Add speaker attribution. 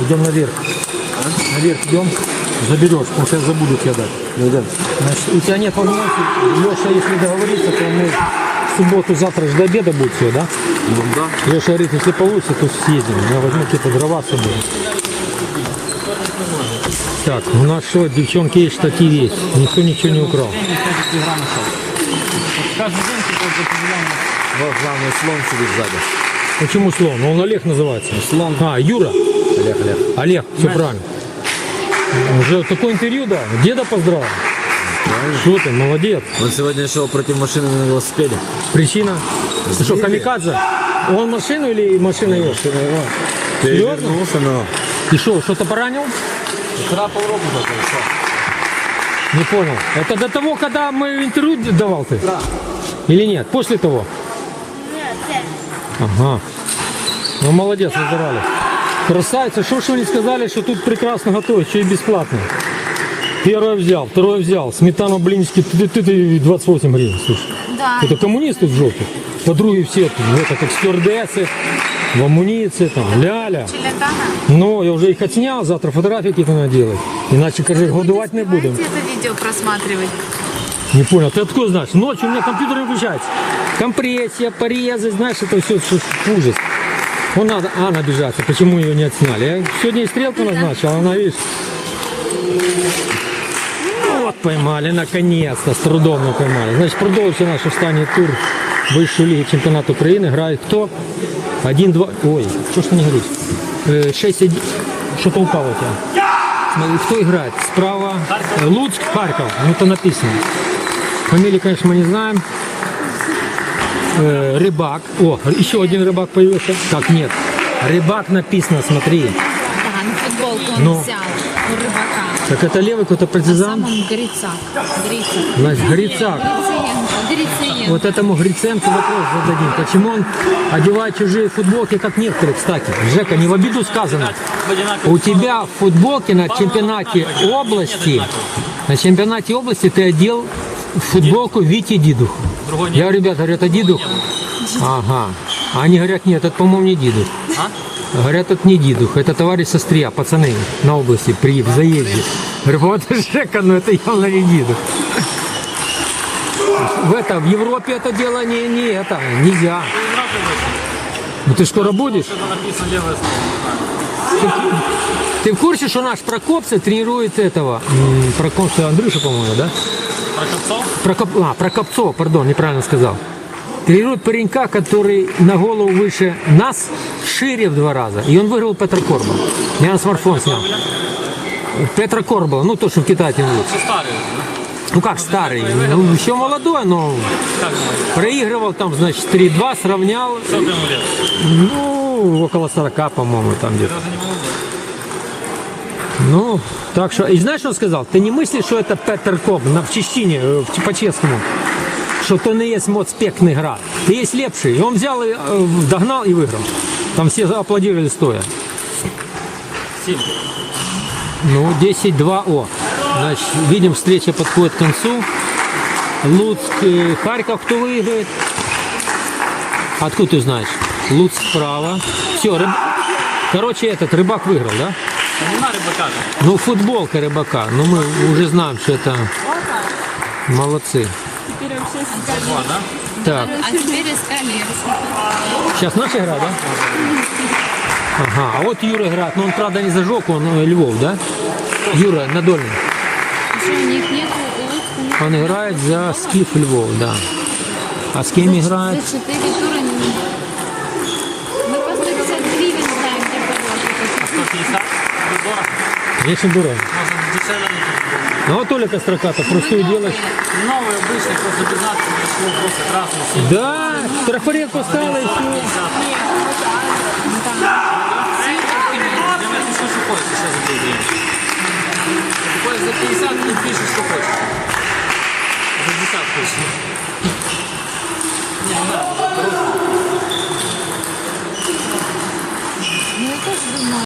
Speaker 1: Идем наверх. Наверх идем, заберешь, потому что я забуду тебе дать.
Speaker 2: Ну да.
Speaker 1: Значит, у тебя нет возможности, Леша, если договориться, то мы в субботу, завтра же до обеда будет все, да?
Speaker 2: Ну да.
Speaker 1: Леша говорит, если получится, то съездим. Я возьму какие-то дрова с собой. Так, у нас что, девчонки, есть штатив есть. Никто ничего не украл.
Speaker 2: Вот главный слон сидит сзади.
Speaker 1: Почему слон? Он Олег называется.
Speaker 2: Слон.
Speaker 1: А, Юра.
Speaker 2: Олег.
Speaker 1: Олег, все правильно. Уже такое интервью, да? Деда поздравил. Что ты, молодец.
Speaker 2: Он сегодня шел против машины на велосипеде.
Speaker 1: Причина? Ты что, камикадзе? Он машину или машина его? Серьезно?
Speaker 2: Перевернулся, но...
Speaker 1: Ты что, что-то поранил?
Speaker 2: Вчера полроку такой,
Speaker 1: Не понял. Это до того, когда мы интервью давал ты?
Speaker 2: Да.
Speaker 1: Или нет? После того? Ага. Ну, молодец, выздоровали. Красавица, что ж вы не сказали, что тут прекрасно готовят, что и бесплатно. Первое взял, второе взял. Сметану, блинчики, ты 28 гривен, слушай.
Speaker 3: Да.
Speaker 1: Это коммунисты в жопе. Подруги все, это как стюардессы, в амуниции, там, ля-ля.
Speaker 3: Челятана?
Speaker 1: Ну, я уже их отснял, завтра фотографии какие-то надо делать. Иначе, кажется, годовать не будем.
Speaker 3: Давайте это видео просматривать.
Speaker 1: Не понял, ты откуда знаешь? Ночью у меня компьютер не включается. Компрессия, порезы, знаешь, это все ужас. Вон надо, Анна обижается, почему ее не отсняли. Я сегодня и стрелку назначил, а она, видишь. Вот поймали, наконец-то, с трудом мы поймали. Значит, продолжится наш останній тур высшей лиги чемпионата Украины. Играет кто? 1-2, ой, что ж ты не говоришь? 6-1, что-то упало у тебя. Смотри, кто играет? Справа Луцк, Харьков, ну это написано. Фамилии, конечно, мы не знаем. Рыбак, о, еще один рыбак появился. Как нет? Рыбак написано, смотри.
Speaker 3: Да, на футболку он
Speaker 1: Ну.
Speaker 3: взял у рыбака.
Speaker 1: Так это левый какой-то партизан?
Speaker 3: Сам он Грицак.
Speaker 1: Значит, Грицак.
Speaker 3: Грициенко.
Speaker 1: Вот этому Гриценко вопрос зададим. Почему он одевает чужие футболки, как некоторые, кстати? Жека, не в обиду сказано. У тебя в футболке на чемпионате области ты одел футболку Вити Дидух. Я говорю, ребята, говорят, это Дидух? Ага. А они говорят, нет, это, по-моему, не Дидух. Говорят, это не Дидух, это товарищ со Стрия, пацаны на области при заезде. Говорю, вот Жека, ну это явно не Дидух. В Европе это дело нельзя. Ну ты скоро будешь? Ты в курсе, что наш Прокопцев тренирует этого? Прокопцев Андрюша, по-моему, да? Прокопцов, пардон, неправильно сказал. Тренирует паренька, который на голову выше нас, шире в 2 раза. И он выиграл Петра Корбала. Я на смартфон снял. Петра Корбала, ну то, что в Китае тренируется. Ну как старый, ну, еще молодой, но проигрывал там, значит, 3-2, сравнял. Ну, около 40, по-моему, там где-то. Ну, так что, и знаешь, что он сказал? Ты не мыслишь, что это Петр Коб в чищине, по-честному, что то не есть моцпекный град. Ты есть лепший. И он взял, и догнал и выиграл. Там все аплодировали стоя.
Speaker 2: 7.
Speaker 1: Ну, 10-2, о. Значит, видим, встреча подходит к концу. Луцк, Харьков, кто выиграет? Откуда ты знаешь? Луцк справа. Все, короче, этот рыбак выиграл, да? Ну, футболка рыбака. Ну, мы уже знаем, что это молодцы. Так,
Speaker 3: А теперь искали.
Speaker 1: сейчас наша игра, да? Ага, а вот Юра играет. Но он, правда, не зажег, он Львов, да? Юра, на Дольном.
Speaker 3: Еще у них нету Луцка.
Speaker 1: Он играет за Скиф Львов, да. А с кем играет?
Speaker 3: За 4 тура не... Мы по 150 гривен знаем, где продать.
Speaker 2: 150?
Speaker 1: Очень дорого.
Speaker 2: Можно дешевле.
Speaker 1: Ну вот Оля Костроката, простую делаешь.
Speaker 2: Новый обычный, просто 15, просто красный.
Speaker 1: Да, трафаретку стала и все.
Speaker 2: За 50 не пишешь, что хочешь. За 10 хочешь. Не надо.
Speaker 3: Ну, я тоже думаю.